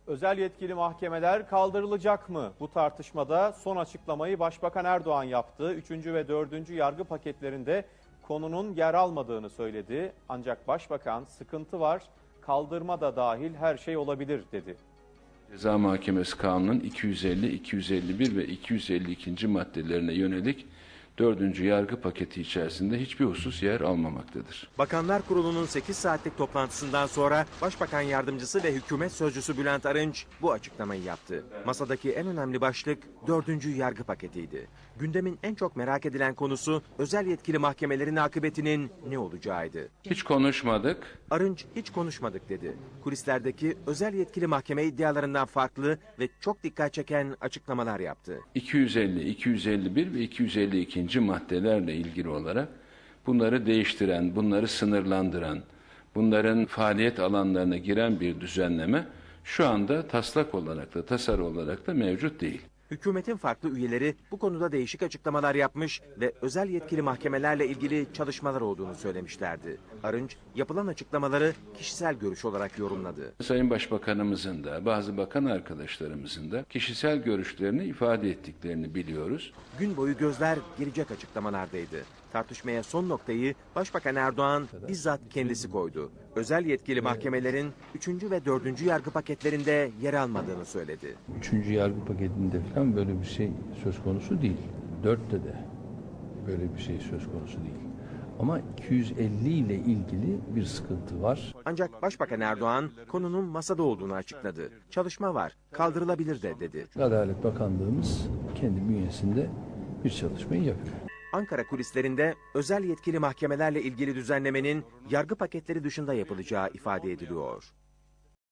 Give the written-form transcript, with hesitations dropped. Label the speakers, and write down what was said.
Speaker 1: Özel yetkili mahkemeler kaldırılacak mı? Bu tartışmada son açıklamayı Başbakan Erdoğan yaptı. 3. ve 4. yargı paketlerinde konunun yer almadığını söyledi. Ancak Başbakan sıkıntı var, kaldırma da dahil her şey olabilir dedi.
Speaker 2: Ceza Mahkemesi Kanunu'nun 250, 251 ve 252. maddelerine yönelik 4. yargı paketi içerisinde hiçbir husus yer almamaktadır.
Speaker 3: Bakanlar Kurulu'nun 8 saatlik toplantısından sonra Başbakan Yardımcısı ve Hükümet Sözcüsü Bülent Arınç bu açıklamayı yaptı. Masadaki en önemli başlık 4. yargı paketiydi. Gündemin en çok merak edilen konusu özel yetkili mahkemelerin akıbetinin ne olacağıydı.
Speaker 2: Hiç konuşmadık.
Speaker 3: Arınç hiç konuşmadık dedi. Kulislerdeki özel yetkili mahkeme iddialarından farklı ve çok dikkat çeken açıklamalar yaptı.
Speaker 2: 250, 251 ve 252. maddelerle ilgili olarak bunları değiştiren, bunları sınırlandıran, bunların faaliyet alanlarına giren bir düzenleme şu anda taslak olarak da tasarı olarak da mevcut değil.
Speaker 3: Hükümetin farklı üyeleri bu konuda değişik açıklamalar yapmış ve özel yetkili mahkemelerle ilgili çalışmalar olduğunu söylemişlerdi. Arınç yapılan açıklamaları kişisel görüş olarak yorumladı.
Speaker 2: Sayın Başbakanımızın da bazı bakan arkadaşlarımızın da kişisel görüşlerini ifade ettiklerini biliyoruz.
Speaker 3: Gün boyu gözler gelecek açıklamalardaydı. Tartışmaya son noktayı Başbakan Erdoğan bizzat kendisi koydu. Özel yetkili mahkemelerin 3. ve 4. yargı paketlerinde yer almadığını söyledi.
Speaker 4: 3. yargı paketinde falan böyle bir şey söz konusu değil. 4'te de böyle bir şey söz konusu değil. Ama 250 ile ilgili bir sıkıntı var.
Speaker 3: Ancak Başbakan Erdoğan konunun masada olduğunu açıkladı. Çalışma var, kaldırılabilir de dedi.
Speaker 4: Adalet Bakanlığımız kendi bünyesinde bir çalışmayı yapıyor.
Speaker 3: Ankara kulislerinde özel yetkili mahkemelerle ilgili düzenlemenin yargı paketleri dışında yapılacağı ifade ediliyor.